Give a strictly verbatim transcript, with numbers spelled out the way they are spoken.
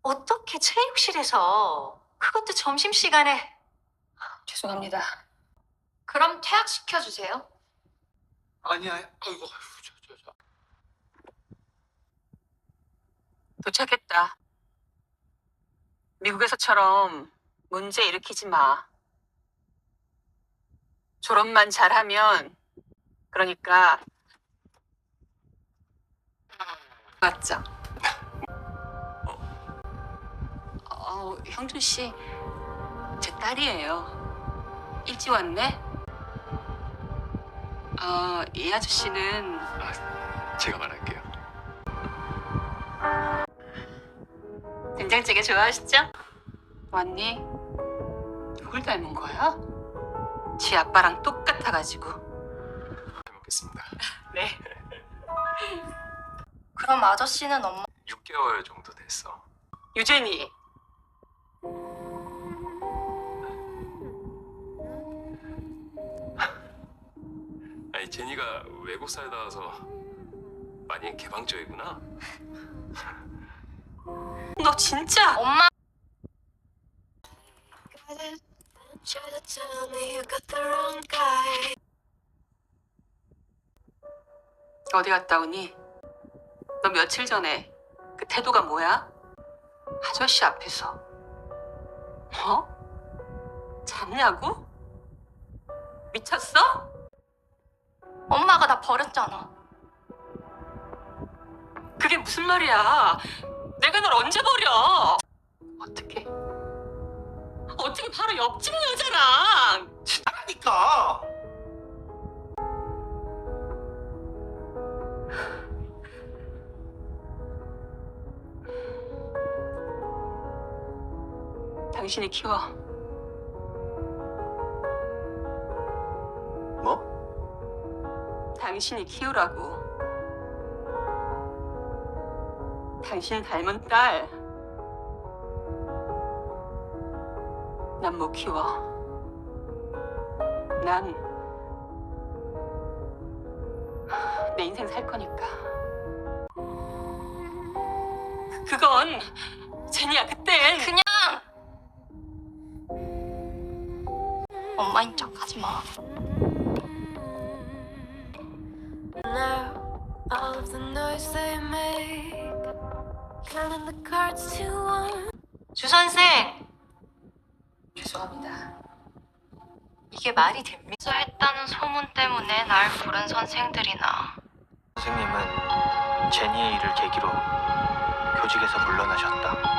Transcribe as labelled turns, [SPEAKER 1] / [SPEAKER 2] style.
[SPEAKER 1] 어떻게 체육실에서 그것도 점심시간에.
[SPEAKER 2] 죄송합니다.
[SPEAKER 1] 그럼 퇴학시켜주세요.
[SPEAKER 3] 아니야, 아이고, 아이고, 저, 저, 저.
[SPEAKER 2] 도착했다. 미국에서처럼 문제 일으키지 마. 졸업만 잘하면, 그러니까 맞죠? 어, 형준 씨, 제 딸이에요. 일찍 왔네? 어, 이 아저씨는
[SPEAKER 3] 아, 제가 말할게요.
[SPEAKER 2] 된장찌개 좋아하시죠? 왔니? 누굴 닮은 거야? 지 아빠랑 똑같아가지고.
[SPEAKER 3] 잘 먹겠습니다.
[SPEAKER 2] 네.
[SPEAKER 1] 그럼 아저씨는 엄마.
[SPEAKER 3] 육 개월 정도 됐어.
[SPEAKER 2] 유진이.
[SPEAKER 3] 아니, 제니가 외국 살다 와서 많이 개방적이구나.
[SPEAKER 2] 너 진짜
[SPEAKER 1] 엄마.
[SPEAKER 2] 어디 갔다 오니? 너 며칠 전에 그 태도가 뭐야? 아저씨 앞에서 뭐? 잡냐고? 미쳤어?
[SPEAKER 1] 엄마가 나 버렸잖아.
[SPEAKER 2] 그게 무슨 말이야? 내가 널 언제 버려? 어떻게? 어떻게 바로 옆집 여자랑?
[SPEAKER 4] 하니까
[SPEAKER 2] 당신이 키워.
[SPEAKER 4] 뭐?
[SPEAKER 2] 당신이 키우라고. 당신 닮은 딸. 난 못 키워. 난 내 인생 살 거니까. 그건 제니야 그땐
[SPEAKER 1] 그냥 엄마인 척 하지 마.
[SPEAKER 5] All of the noise they make, counting the cards to one.
[SPEAKER 1] 주 선생,
[SPEAKER 2] 죄송합니다.
[SPEAKER 1] 이게 말이 됩니까? 했다는 소문 때문에 날 부른 선생들이나.
[SPEAKER 4] 선생님은 제니의 일을 계기로 교직에서 물러나셨다.